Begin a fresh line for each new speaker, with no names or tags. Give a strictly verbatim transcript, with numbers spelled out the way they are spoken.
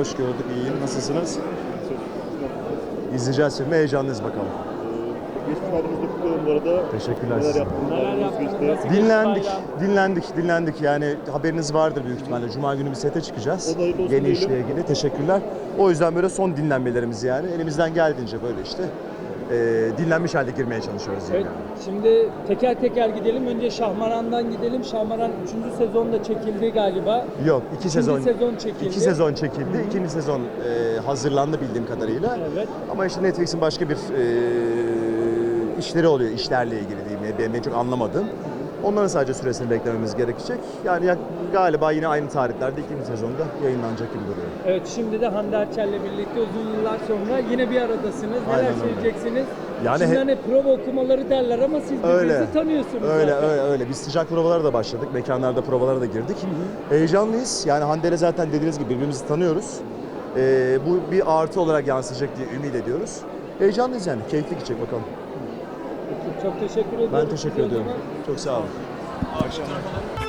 hoş gördük. İyiyim. Nasılsınız? İzleyeceğiz filmi. Heyecanlıyız bakalım.
Geçmiş halimizde kutluyorum bu arada.
Teşekkürler
Neler
size.
yaptınız?
Neler yaptınız?
Geçti.
Nasıl geçti
Dinlendik,
bayram?
dinlendik, dinlendik. Yani haberiniz vardır büyük ihtimalle. Cuma günü bir sete çıkacağız.
O da hayırlı olsun
Yeni
diyelim.
işle ilgili. Teşekkürler. O yüzden böyle son dinlenmelerimiz yani. Elimizden geldiğince böyle işte e, dinlenmiş halde girmeye çalışıyoruz.
Evet,
Yani.
şimdi teker teker gidelim. Önce Şahmaran'dan gidelim. Şahmaran üçüncü sezonda çekildi galiba.
Yok, iki sezon,
sezon çekildi.
iki sezon çekildi. İkinci sezon e, hazırlandı bildiğim kadarıyla.
Evet.
Ama işte Netflix'in başka bir e, işleri oluyor, işlerle ilgili diyeyim. Benim en çok anlamadığım. Onların sadece süresini beklememiz gerekecek. Yani yak- galiba yine aynı tarihlerde ikinci sezonda yayınlanacak gibi duruyor.
Evet, şimdi de Hande Erçel'le birlikte uzun yıllar sonra yine bir aradasınız. Neler
Aynen öyle.
söyleyeceksiniz?
Yani
şimdi
he-
hani prova okumaları derler ama siz birbirinizi
Öyle.
tanıyorsunuz
Öyle,
zaten.
öyle, öyle. Biz sıcak provalara da başladık. Mekanlarda provalara da girdik. Heyecanlıyız. Yani Hande'yle zaten dediğiniz gibi birbirimizi tanıyoruz. Ee, bu bir artı olarak yansıyacak diye ümit ediyoruz. Heyecanlıyız yani. Keyifli gidecek bakalım.
Çok teşekkür ederim.
Ben teşekkür
Size o
ediyorum.
zaman.
Çok sağ olun.